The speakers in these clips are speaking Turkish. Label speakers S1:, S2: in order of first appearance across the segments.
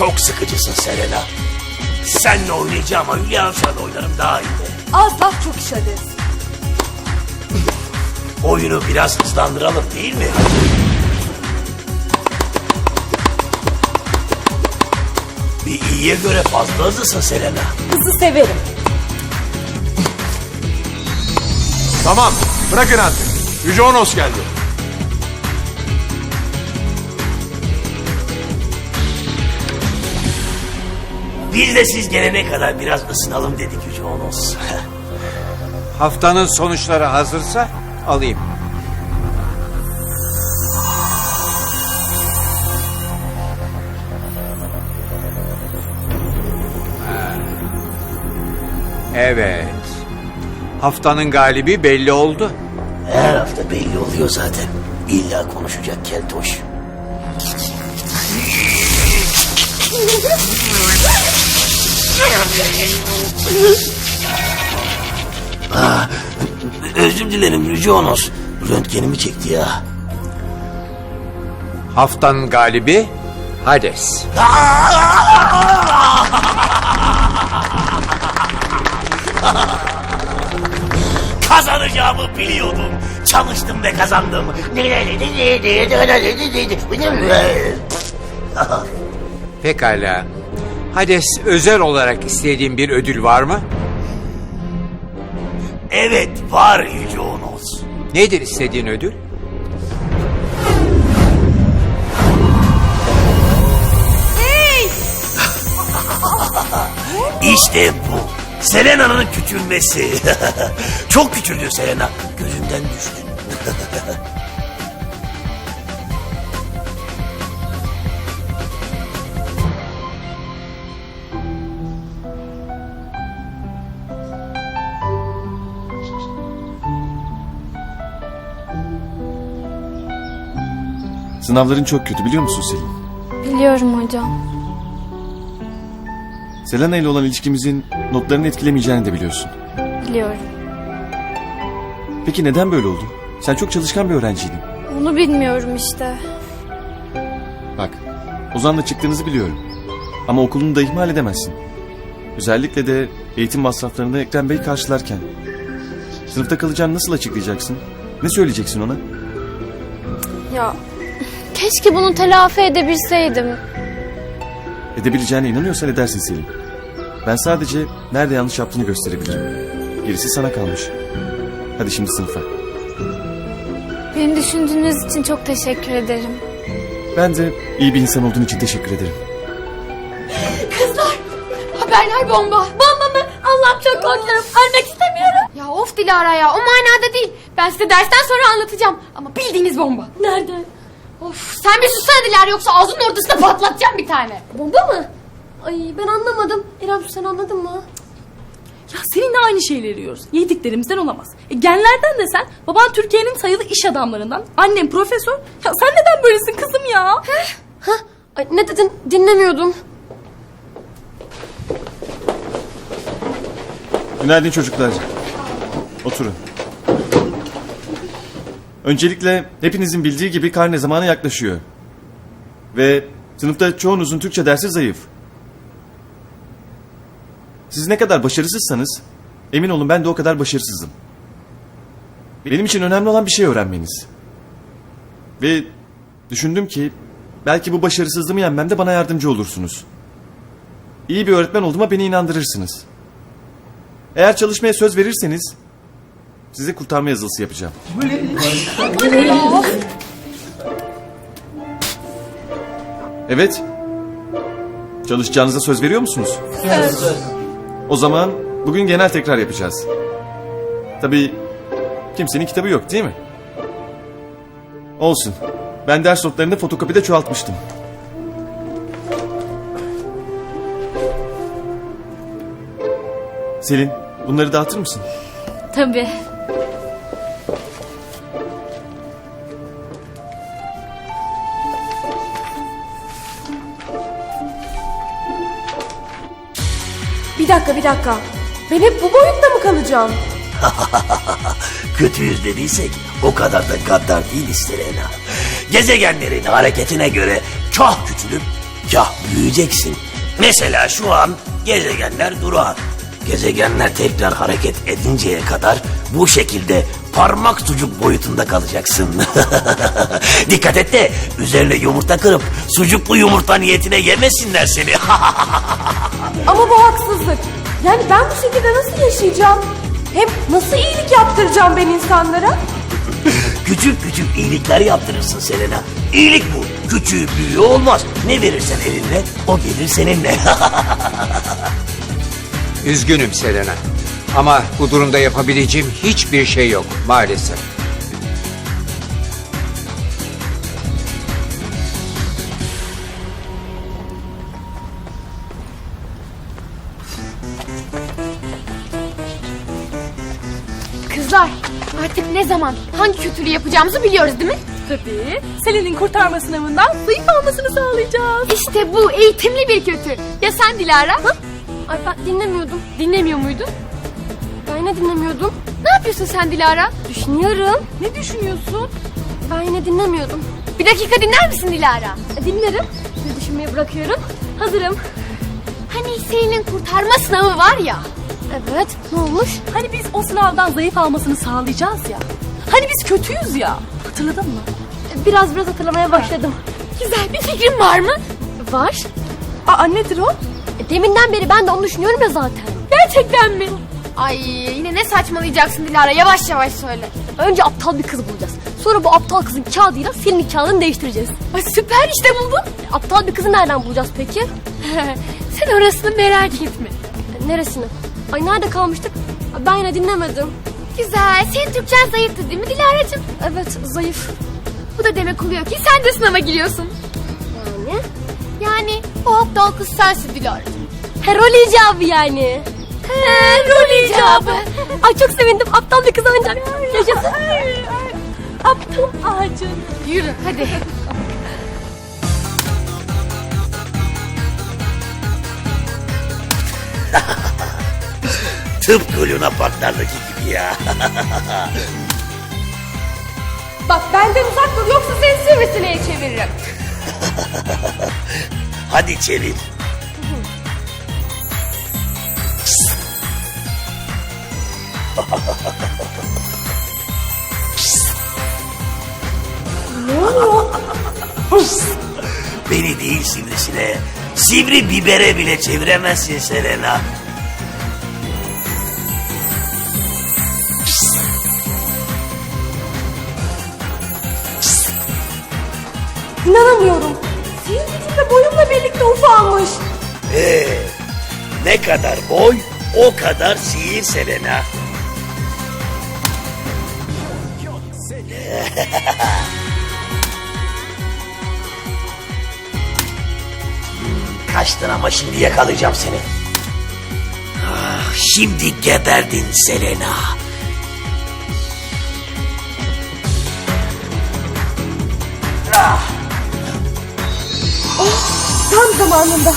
S1: Çok sıkıcısın Selena. Seninle oynayacağım ama Hülya Avşar'la oynarım daha iyi.
S2: Az laf çok iş hadi.
S1: Oyunu biraz hızlandıralım değil mi? Bir iyiye göre fazla hızlısın Selena.
S2: Hızı severim.
S3: Tamam, bırakın artık. Yüce Onos geldi.
S1: Biz de siz gelene kadar biraz ısınalım dedik Yüce Onos.
S4: Haftanın sonuçları hazırsa alayım. Evet. Haftanın galibi belli oldu.
S1: Her hafta belli oluyor zaten. İlla konuşacak keltoş. Özür dilerim Yüce Onos. Röntgenimi çekti ya.
S4: Haftanın galibi Hades.
S1: Kazanacağımı biliyordum. Çalıştım ve kazandım.
S4: Pekala. Hades özel olarak istediğin bir ödül var mı?
S1: Evet var Yüce Onos.
S4: Nedir istediğin ödül?
S1: İşte bu. Selena'nın küçülmesi. Çok küçüldü Selena. Gözümden düştün.
S5: Sınavların çok kötü biliyor musun Selin?
S6: Biliyorum hocam.
S5: Selena ile olan ilişkimizin notlarını etkilemeyeceğini de biliyorsun.
S6: Biliyorum.
S5: Peki neden böyle oldu? Sen çok çalışkan bir öğrenciydin.
S6: Onu bilmiyorum işte.
S5: Bak, Ozan'la çıktığınızı biliyorum. Ama okulunu da ihmal edemezsin. Özellikle de eğitim masraflarını Ekrem Bey karşılarken. Sınıfta kalacağını nasıl açıklayacaksın? Ne söyleyeceksin ona?
S6: Ya keşke bunu telafi edebilseydim.
S5: Edebileceğine inanıyorsan edersin Selin. Ben sadece nerede yanlış yaptığını gösterebilirim. Gerisi sana kalmış. Hadi şimdi sınıfa.
S6: Beni düşündüğünüz için çok teşekkür ederim.
S5: Ben de iyi bir insan olduğun için teşekkür ederim.
S7: Kızlar, haberler bomba. Bomba mı? Allah'ım çok korkuyorum. Ölmek istemiyorum. Ya of Dilara ya, o manada değil. Ben size dersten sonra anlatacağım. Ama bildiğiniz bomba. Nerede? Of, sen bir sussana Dilara, yoksa ağzının ortasına patlatacağım bir tane. Bomba mı? Ay ben anlamadım. İrem sen anladın mı?
S2: Ya seninle aynı şeyleri yiyoruz. Yediklerimizden olamaz. Genlerden de sen. Baban Türkiye'nin sayılı iş adamlarından. Annem profesör. Ya sen neden böylesin kızım ya?
S7: Ay, ne dedin? Dinlemiyordum.
S5: Günaydın çocuklar. Oturun. Öncelikle hepinizin bildiği gibi karne zamanı yaklaşıyor. Ve sınıfta çoğunuzun Türkçe dersi zayıf. Siz ne kadar başarısızsanız emin olun ben de o kadar başarısızım. Benim için önemli olan bir şey öğrenmeniz. Ve düşündüm ki belki bu başarısızlığımı yenmemde bana yardımcı olursunuz. İyi bir öğretmen olduğuma beni inandırırsınız. Eğer çalışmaya söz verirseniz size kurtarma yazılısı yapacağım. Evet. Çalışacağınıza söz veriyor musunuz? Söz. O zaman bugün genel tekrar yapacağız. Tabii kimsenin kitabı yok değil mi? Olsun. Ben ders notlarını fotokopide çoğaltmıştım. Selin, bunları dağıtır mısın?
S6: Tabii.
S2: Bir dakika. Ben hep bu boyutta mı kalacağım?
S1: Kötüyüz dediysek o kadar da gaddar değiliz Selena. Gezegenlerin hareketine göre çok küçülüp Kah büyüyeceksin. Mesela şu an gezegenler durağan. Gezegenler tekrar hareket edinceye kadar bu şekilde parmak sucuk boyutunda kalacaksın. Dikkat et de üzerine yumurta kırıp sucuklu yumurta niyetine yemesinler seni.
S8: Ama bu haksızlık. Yani ben bu şekilde nasıl yaşayacağım? Hem nasıl iyilik yaptıracağım ben insanlara?
S1: Küçük küçük iyilikler yaptırırsın Selena. İyilik bu. Küçüğü büyüğü olmaz. Ne verirsen elinle o gelir seninle.
S4: Üzgünüm Selena. Ama bu durumda yapabileceğim hiçbir şey yok maalesef.
S7: Kızlar artık ne zaman hangi kötülüğü yapacağımızı biliyoruz değil mi?
S2: Tabii. Selin'in kurtarma sınavından zayıf almasını sağlayacağız.
S7: İşte bu eğitimli bir kötü. Ya sen Dilara?
S6: Ay ben dinlemiyordum.
S7: Dinlemiyor muydun?
S6: Ben yine dinlemiyordum.
S7: Ne yapıyorsun sen Dilara?
S6: Düşünüyorum.
S2: Ne düşünüyorsun?
S6: Ben yine dinlemiyordum.
S7: Bir dakika dinler misin Dilara?
S6: Dinlerim. Sizi düşünmeyi bırakıyorum. Hazırım.
S7: Hani Selin'in kurtarma sınavı var ya.
S6: Evet. Ne olmuş?
S2: Hani biz o sınavdan zayıf almasını sağlayacağız ya. Hani biz kötüyüz ya. Hatırladın mı?
S6: Biraz hatırlamaya başladım.
S7: Güzel bir fikrin var mı?
S6: Var.
S2: Aa, nedir o?
S6: Deminden beri ben de onu düşünüyorum ya zaten.
S7: Gerçekten mi? Ay yine ne saçmalayacaksın Dilara, yavaş yavaş söyle.
S6: Önce aptal bir kız bulacağız. Sonra bu aptal kızın kağıdıyla senin kağıdını değiştireceğiz.
S7: Ay süper, işte buldum.
S6: Aptal bir kızı nereden bulacağız peki?
S7: Sen orasını merak etme.
S6: Neresini? Ay nerede kalmıştık? Ben yine dinlemedim.
S7: Güzel, senin Türkçen zayıftı değil mi Dilara'cığım?
S6: Evet, zayıf.
S7: Bu da demek oluyor ki sen de sınava giriyorsun.
S6: Yani?
S7: Yani o aptal kız sensin Dilara'cığım.
S6: Rol icabı yani.
S7: Rol icabı.
S6: Ay çok sevindim. Aptal bir kız ancak. Yaşasın.
S2: Aptal ağacın.
S7: Yürü hadi.
S1: Tıpkı Luna Parklardaki gibi ya.
S8: Bak benden uzak dur yoksa seni sivrisineye çeviririm.
S1: Hadi çevir. Beni değil sivrisine, sivri bibere bile çeviremezsin Selena.
S8: İnanamıyorum. Senin gücünle boyumla birlikte ufalmış.
S1: Ne kadar boy, o kadar sihir Selena. Kaçtın ama şimdi yakalayacağım seni. Ah, şimdi geberdin Selena.
S8: Tam zamanında.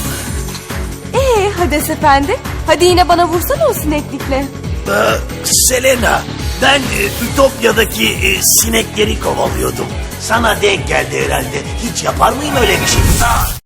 S8: Hades efendi. Hadi yine bana vursana o sineklikle.
S1: Selena, ben Ütopya'daki sinekleri kovalıyordum. Sana denk geldi herhalde. Hiç yapar mıyım öyle bir şey?